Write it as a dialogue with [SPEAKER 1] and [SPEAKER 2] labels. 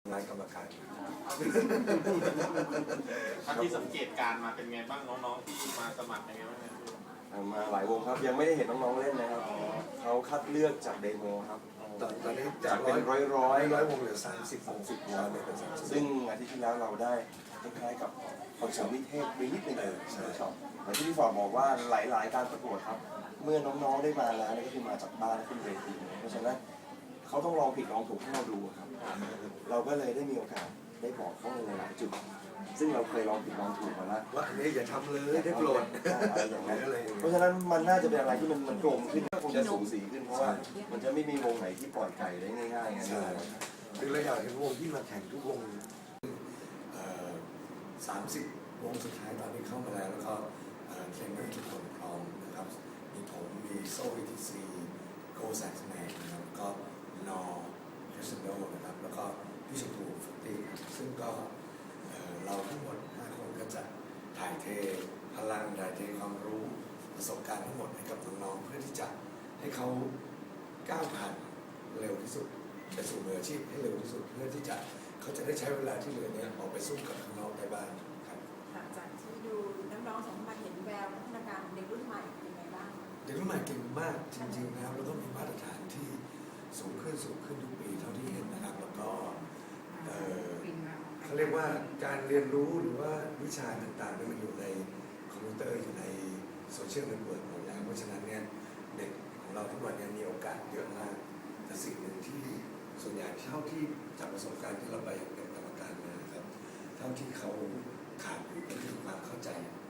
[SPEAKER 1] รายกรรมการ
[SPEAKER 2] ท่านที่สังเกตการมาเป็นไงบ้างน้องๆที่มาสมัครเป็นไงบ้างครับ
[SPEAKER 3] มาหลายวงครับยังไม่ได้เห็นน้องๆเล่นนะครับเขาคัดเลือกจากเดโมครับ
[SPEAKER 1] ตอนนี้
[SPEAKER 3] จากเป็นร้อยว
[SPEAKER 1] งเหลือ30 วง
[SPEAKER 3] ซึ่งอาทิตย์ที่แล้วเราได้คล้ายๆกับคอนเสิร์ตวิเทศไปนิดนึงใช่ครับเหมือนที่พี่ฟอร์ดบอกว่าหลายๆการประกวดครับเมื่อน้องๆได้มาแล้วนี่ก็คือมาจากบ้านขึ้นเวทีเพราะฉะนั้นเขาต้องลองผิดลองถูกให้เราดูครับเราก็เลยได้มีโอกาสได้บอกเขาในหลายจุดซึ่งเราเคยลองผิดลองถูกมาแล้ว
[SPEAKER 1] ว่าอันนี้อย่าทำเลยได้โปรด
[SPEAKER 3] อย่างนั้นเพราะฉะนั้นมันน่าจะเป็นอะไรที่มันกลมขึ้นก็คงจะสูสีขึ้นเพราะว่ามันจะไม่มีวงไหนที่ปล่อยไก่ได้ง่ายๆไง
[SPEAKER 1] คือเราอยากเห็นวงที่มาแข่งทุกวง30 วงสุดท้ายตอนนี้เข้ามาแล้วก็เทรนเนอร์ทุกคนพร้อมนะครับมีผมมีโซ่ ETC โกแซกแมนนะครับก็นอเทสโดนะครับแล้วก็พี่ชมพูฟุตตี้ซึ่งก็เราทั้งหมด5 คนก็จะถ่ายเทพลังถ่ายเทความรู้ประสบการณ์ทั้งหมดให้กับน้องๆเพื่อที่จะให้เขาก้าวผ่านเร็วที่สุดไปสู่มืออาชีพให้เร็วที่สุดเพื่อที่จะเขาจะได้ใช้เวลาที่เหลือเนี่ยออกไปสู้กับข้างนอกได้บ้างครับ
[SPEAKER 4] หลังจากที่ดูน้องๆสองมาเห็นแววพัฒนาการเด็กรุ่นใหม่เป็นไงบ้าง
[SPEAKER 1] เด็กรุ่นใหม่เก่งมากจริงๆนะครับแล้วก็มีมาตรฐานที่สูงขึ้นทุกปีเท่าที่เห็นนะครับแล้วก็เขาเรียกว่าการเรียนรู้หรือว่าวิชาต่างๆมันอยู่ในคอมพิวเตอร์อยู่ในโซเชียลเน็ตเวิร์กหมดแล้วเพราะฉะนั้นเนี่ยเด็กของเราทุกวันนี้มีโอกาสเยอะมากแต่สิ่งหนึ่งที่ส่วนใหญ่เท่าที่จากประสบการณ์ที่เราไปเป็นกรรมการมาครับเท่าที่เขาขาดอยู่ก็คือความเข้าใจ